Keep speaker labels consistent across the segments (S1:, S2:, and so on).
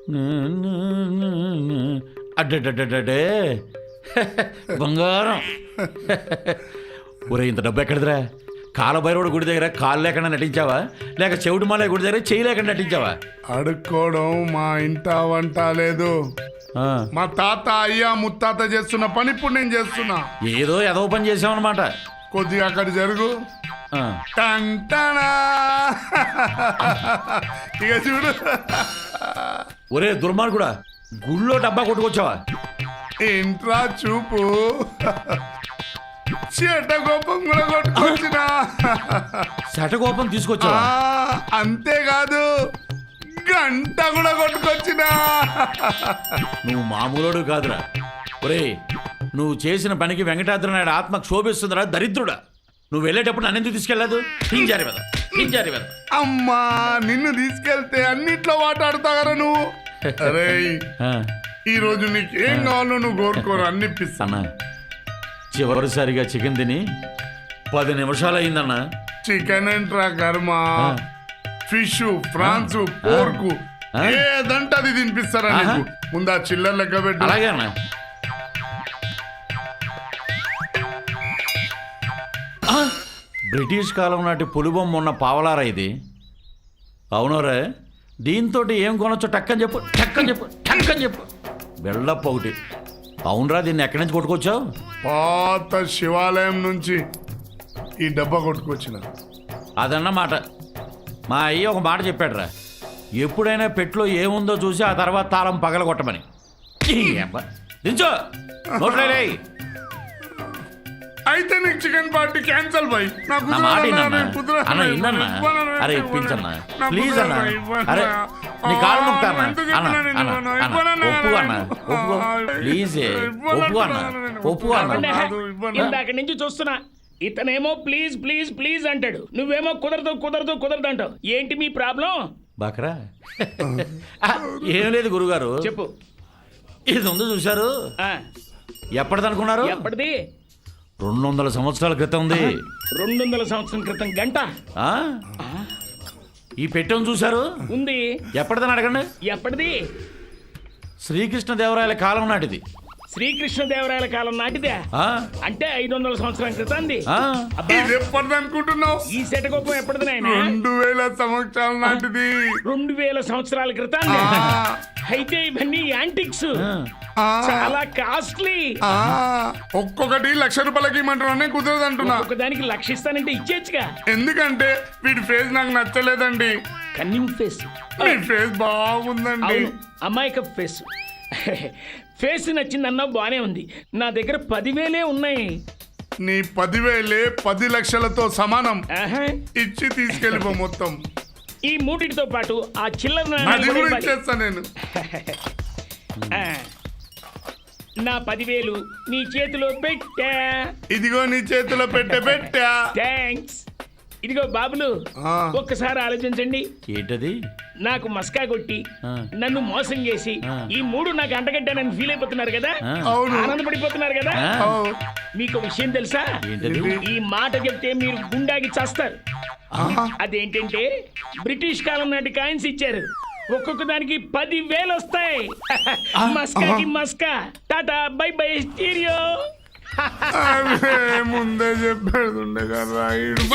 S1: అడ్డే బంగారం. ఒరే ఇంత డబ్బు ఎక్కడిదిరా? కాలభైరవుడు గుడి దగ్గర కాలు లేకుండా నటించావా, లేక చెవిటిమాలయ గుడి దగ్గర చేయి లేకుండా నటించావా?
S2: అడుక్కోవడం మా ఇంట వంట లేదు. మా తాత అయ్యా ముత్తాత చేస్తున్న పని ఇప్పుడు నేను చేస్తున్నా.
S1: ఏదో ఏదో పని చేసామన్నమాట.
S2: కొద్దిగా అక్కడ జరుగు. టంటనా. ఇక చూడు.
S1: ఒరే దుర్మార్గుడా, గుళ్ళో డబ్బా కొట్టుకొచ్చావా?
S2: ఇంట్రా చూపు. శటకోపం కూడా కొట్టుకొచ్చిన.
S1: శటకోపం తీసుకొచ్చావా?
S2: అంతేకాదు గంట కూడా కొట్టుకొచ్చిన.
S1: నువ్వు మామూలుడు కాదురా. ఒరే నువ్వు చేసిన పనికి వెంకటాద్రి నాయుడు ఆత్మ క్షోభిస్తుందిరా దరిద్రుడా. నువ్వు వెళ్ళేటప్పుడు నన్ను ఎందుకు తీసుకెళ్ళదు? పింజారి వెద.
S2: అమ్మా నిన్ను తీసుకెళ్తే అన్నిట్లో మాట్లాడతావరా నువ్వు. అరే ఈ రోజు నీకు ఏం కావాలో నువ్వు కోరుకోరు అన్నిపిస్తానా.
S1: చివరిసారిగా చికెన్ తిని 10 నిమిషాలు అయిందన్నా.
S2: చికెన్ ఏంట్రా కర్మ, ఫిష్, ఫ్రాన్స్, పోర్కు ఏదంటే అది తినిపిస్తారా నీకు. ముందు ఆ చిల్లర లెక్క పెట్టు.
S1: అలాగే అన్నా. బ్రిటిష్ కాలం నాటి పులిబొమ్మ ఉన్న పావలారా ఇది. అవునోరే, దీంతో ఏం కొనొచ్చో టక్కని చెప్పు. బెల్లప్ప ఒకటి. అవునరా, దీన్ని ఎక్కడి నుంచి కొట్టుకొచ్చావు?
S2: పాత శివాలయం నుంచి ఈ డబ్బా కొట్టుకొచ్చిన.
S1: అదన్నమాట. మా అయ్య ఒక మాట చెప్పాడురా, ఎప్పుడైనా పెట్లో ఏముందో చూసి ఆ తర్వాత తాళం పగలగొట్టమని. దించో నోట్లే.
S2: అయితే నీకు చికెన్ పార్టీ క్యాన్సల్ బాయ్.
S1: అరే ఇప్పించన్నా ప్లీజ్ అన్నా. అరే నీ కాలు నొక్కుతానా ఒప్పుకో ప్లీజ్. ఒప్పుకో అన్నా.
S3: ఇందాక నుంచి చూస్తున్నా, ఇతనేమో ప్లీజ్ ప్లీజ్ ప్లీజ్ అంటాడు, నువ్వేమో కుదరదు అంటావు. ఏంటి మీ ప్రాబ్లం?
S1: బాకరా ఏం లేదు గురుగారు.
S3: చెప్పు.
S1: ఇది ఉందో చూశారు? ఎప్పటిదనుకున్నారు?
S3: ఎప్పటిది?
S1: 200 సంవత్సరాల క్రితం ఉంది.
S3: 200 సంవత్సరం క్రితం గంట.
S1: ఈ పెట్టెను చూశారు?
S3: ఉంది.
S1: ఎప్పటిదని అడగండి.
S3: ఎప్పటిది?
S1: శ్రీకృష్ణదేవరాయల కాలం నాటిది.
S3: శ్రీకృష్ణదేవరాయల కాలం నాటిదే? అంటే 500 సంవత్సరాల క్రితం.
S2: అనుకుంటున్నావు?
S3: ఈ శటకోపం ఎప్పటిది నాయన?
S2: 2000 సంవత్సరాల నాటిది.
S3: 2000 సంవత్సరాల క్రితం. అయితే ఇవన్నీ యాంటిక్స్, చాలా కాస్ట్లీ.
S2: ఒక్కొక్కటి 1,00,000 రూపాయలకి ఇమ్మంటున్నా, కుదరదు అంటున్నా.
S3: ఒకదానికి 1,00,000 ఇస్తానంటే ఇచ్చేచ్చుగా.
S2: ఎందుకంటే వీడి ఫేస్ నాకు నచ్చలేదండి.
S3: Cunning face.
S2: మీ ఫేస్ బాగుందండి.
S3: అమాయక ఫేస్. ఫేస్ నచ్చిందన్నా బానే ఉంది. నా దగ్గర 10,000 ఉన్నాయి.
S2: నీ 10,000 10 లక్షలతో సమానం. ఇచ్చి తీసుకెళ్ళిపో మొత్తం.
S3: ఈ మూటితో పాటు ఆ చిల్లర
S2: నేను.
S3: నా 10,000 నీ చేతిలో పెట్టా.
S2: ఇదిగో నీ చేతిలో పెట్టా.
S3: థ్యాంక్స్. ఇదిగో బాబులు, ఒక్కసారి ఆలోచించండి.
S1: ఏంటది?
S3: నాకు మస్కా కొట్టి నన్ను మోసం చేసి ఈ 3 నాకు అంటగడ్డానని ఫీల్ అయిపోతున్నారు కదా, ఆనందపడిపోతున్నారు కదా. మీకు విషయం తెలుసా? ఈ మాట చెప్తే మీరు గుండాకి చేస్తారు. అదేంటంటే బ్రిటిష్ కాలం నాటి కాయిన్స్ ఇచ్చారు. ఒక్కొక్క దానికి 10,000 వస్తాయి. మస్కాకి మస్కా. Tata bye bye stereo.
S2: ముందే చెప్పేది కదా.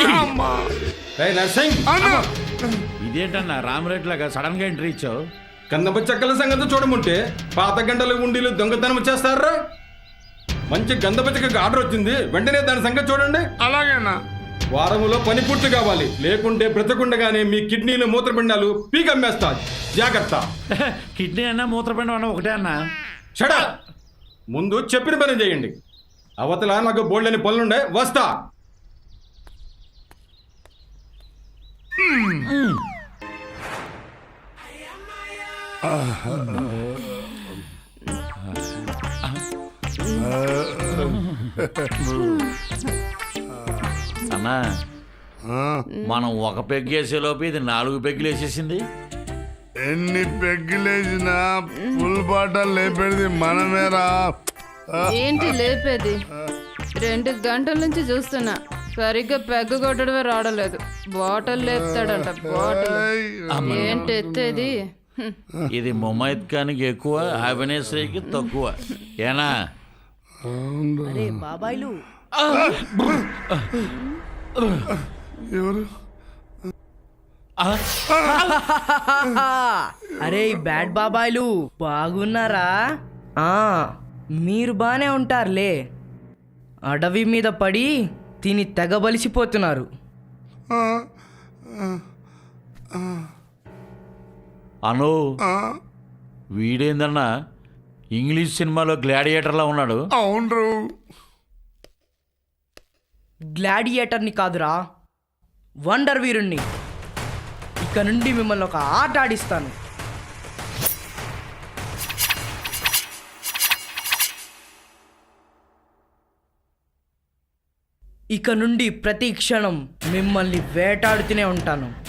S1: ఇదేంటన్నా రామరేట్ లాగా సడన్ గా ఎంట్రీ ఇచ్చావు?
S4: కందప చెక్కల సంగతి చూడముంటే పాత గంటల ఉండీలు దొంగతనం వచ్చేస్తారా? మంచి గంధప చెక్కకి ఆర్డర్ వచ్చింది, వెంటనే దాని సంగతి చూడండి.
S2: అలాగేనా?
S4: వారములో పని పూర్తి కావాలి, లేకుంటే బ్రతకుండగానే మీ కిడ్నీలు మూత్రపిండాలు పీకమ్మేస్తా. జాగ్రత్త.
S1: కిడ్నీ అన్నా మూత్రపిండం అన్నా ఒకటే అన్నా.
S4: షడా, ముందు చెప్పిన పని చేయండి. అవతల నాకు బోల్డని పనులుండే, వస్తా.
S1: అన్నా మనం ఒక పెగ్గేసేలోపు ఇది 4 పెగ్గులు వేసేసింది.
S2: ఎన్ని పెగ్గులేసినా ఫుల్ బాటల్ లేపేది మనమేరా.
S5: ఏంటి లేపేది? 2 గంటల నుంచి చూస్తున్నా, సరిగ్గా పెగ్గు కొట్టడమే రావడలేదు. బాటిల్ లేపుతాడంట. బాటిల్ ఏంటి ఎత్తేది?
S1: ఇది ముమైత్ ఖాన్కి ఎక్కువ, అభినేశ్రీకి తక్కువ. ఏనా?
S6: అరే బాబాయ్లు,
S2: ఎవరు?
S6: అరే బ్యాడ్ బాబాయ్లు బాగున్నారా? మీరు బానే ఉంటారులే. అడవి మీద పడి తిని తెగబలిసిపోతున్నారు.
S1: అను, వీడేందన్నా ఇంగ్లీష్ సినిమాలో గ్లాడియేటర్లా ఉన్నాడు.
S2: అవునరు.
S6: గ్లాడియేటర్ని కాదురా, వండర్ వీరుణ్ణి. ఇక నుండి మిమ్మల్ని ఒక ఆట ఆడిస్తాను. ఇక నుండి ప్రతి క్షణం మిమ్మల్ని వేటాడుతూనే ఉంటాను.